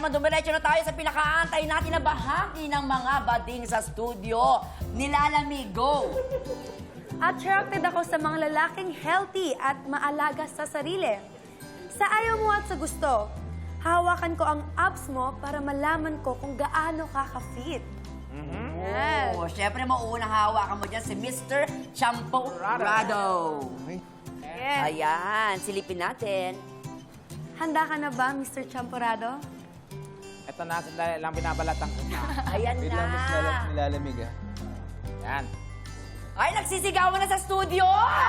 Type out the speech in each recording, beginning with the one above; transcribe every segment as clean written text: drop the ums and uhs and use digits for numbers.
naman, dumiretso na tayo sa pinakaantay natin na bahagi ng mga bading sa studio. Nilalamig, go! Attracted ako sa mga lalaking healthy at maalaga sa sarili. Sa ayaw mo at sa gusto, hawakan ko ang abs mo para malaman ko kung gaano ka ka-fit. Yes. Oh, syempre, mauunang hawakan mo dyan si Mr. Champorado. Yes. Ayan, silipin natin. Handa ka na ba, Mr. Champorado? Ito na, sandali lang binabalatan ko na. Ayan Wait na. lang, mas nilalamig ah. Yan. Ay, nagsisigawan na sa studio!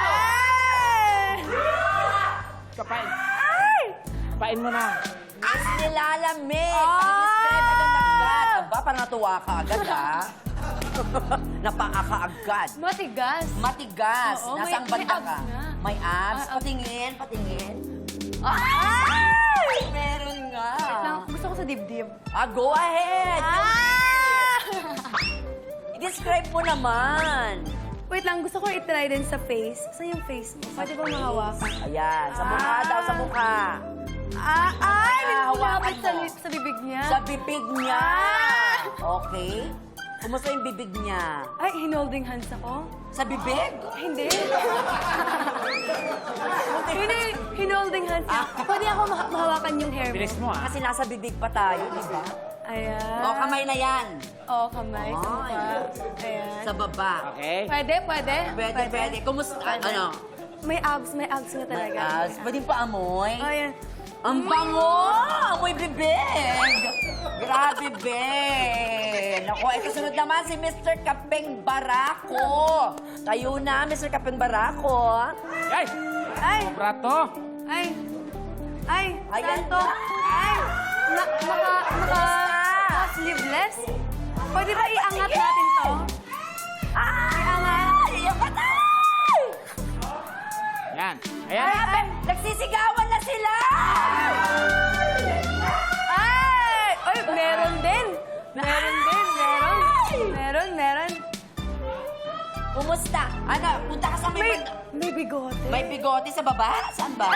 Kapain. Kapain mo na. Miss Nilalamig! Describe agad-agad. Aba, parang natuwa ka agad, ha? Napaa ka agad. Matigas. Matigas. Oo, Nasang may banda abs ka? nga. May abs? Ah, Patingin, patingin. Ay! Meron nga. Gusto ko sa dibdib. Go ahead! Ah! I-describe mo naman. Wait lang, gusto ko i-try din sa face. Saan yung face mo? Pwede ba mahawakan? Ayan, sa mukha daw, sa mukha. Ay! hawakan Nilapit mo. sa bibig niya. Sa bibig niya. Ah! Okay. Kumusta yung bibig niya? Ay, hinolding hands ako? Sa bibig? Hindi. Hindi, hinolding hands niya. Pwede ako mahawakan yung hair mo. Bilis mo, ah. Kasi nasa bibig pa tayo, di ba? Ayan. O, kamay na yan. Oo, kamay. Sa Ay. mukha. Ayan. Sa baba. Okay? Pwede, pwede. Pwede. Kumusta? Ano? May abs nga talaga. Pwede pa amoy? Oh, ayan. Ang bango! Amoy bibig! Grabe, be! Naku, ito sunod naman si Mr. Kapeng Barako. Tayo na, Mr. Kapeng Barako. Ay! Ay! Brato! Ay! Ay! Ayan Saan to? na. Ay! Sleeveless? Pwede ba iangat natin to? Iangat? Yung patay! Yan. Ayan. Grabe! Nagsisigawan na sila! Ay! Ay, meron din! Meron. Kumusta? Ano, punta ka sa may... May bigote. May bigote sa baba? Saan ba?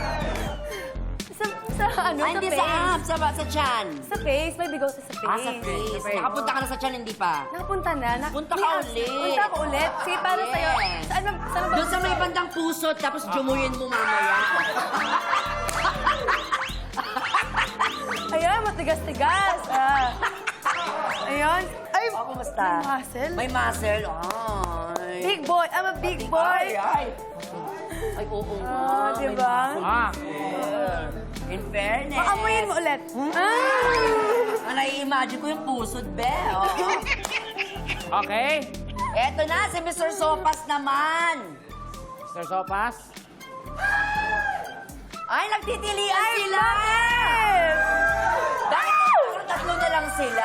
Sa ano, Ay, sa hindi face. sa abs, sa tiyan. Sa face, may bigote sa face. Sa face. Nakapunta ka na sa tiyan, hindi pa? Nakapunta na. Punta may ka abs. ulit. Punta ako ulit. Sige, para Yes. sa'yo. Saan ba? Doon sa may bandang puso, tapos jumuyin mo mamaya. Ayan, matigas-tigas. Ayun. Ay, Kumusta? may muscle. May muscle. Ay. Big boy. I'm a big boy. Ay, oo nga. may Diba? Ah. muscle. In fairness. Paamuyin mo ulit. Nai-imagine ko yung pusod, be. Oo. Okay. Eto na, si Mr. Sopas naman. Mr. Sopas. Ay, nagtitilian sila! Bakit parang tatlo na lang sila?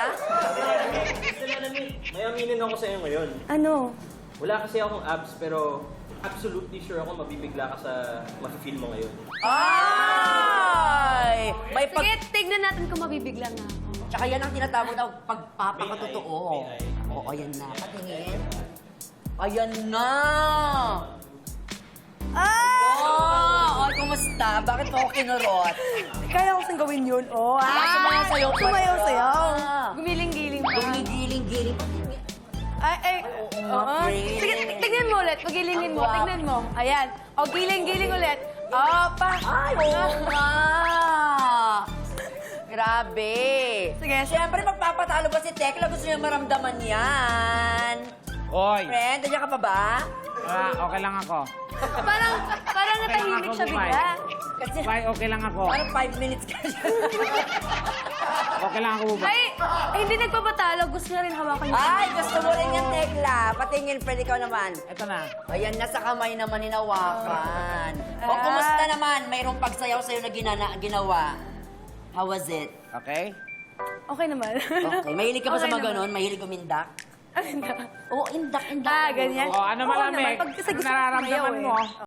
May aminin ako sa iyo ngayon. Ano? Wala kasi akong abs pero absolutely sure ako mabibigla ka sa mafe-feel mo ngayon. Ay! May pag... Sige, tignan natin kung mabibigla nga ako. Tsaka yan ang tinatawag na pagpapakatotoo. Oo, ayan na. Patingin. Ayan na! Oh, kumusta? Bakit mo ako kinurot? Kaya ko saan gawin yun. Oh, Sumayaw-sayaw pa. Sumayaw-sayaw. Ah. Gumiling-giling pa. Gumigiling-giling. Ay. Oo. friend. Sige, tignan mo ulit. Pagilingin mo. Ang guwapo. Tignan mo. Ayan. O, giling-giling ulit. Oh, pa. Ay, oo nga! Grabe. Sige. Siyempre, magpapatalo ba si Tekla? Gusto niya maramdaman yan. Oy. Friend, nandiyan ka pa ba? Okay lang ako. Parang natahimik siya bigla. Kasi Bye, okay lang ako. parang 5 minutes ka dyan. Okay lang ako ba? Ay, hindi nagpapatalo. Gusto niya rin hawakan niya. Ay, gusto mo rin yan, Tekla. Patingin, pwede ikaw naman. Ito na. Ayan, nasa kamay naman hinawakan. O, kumusta naman? Mayroong pagsayaw sa'yo na ginawa. How was it? Okay? Okay naman. Okay. Mahilig ka ba sa Okay mga naman. ganon? Mahilig umindak? Ay, hindi. Oo, indak. Ganyan. O, ano Oo malamig? naman. Pag kasi Ano gusto ko nararamdaman sumayaw, mo? eh.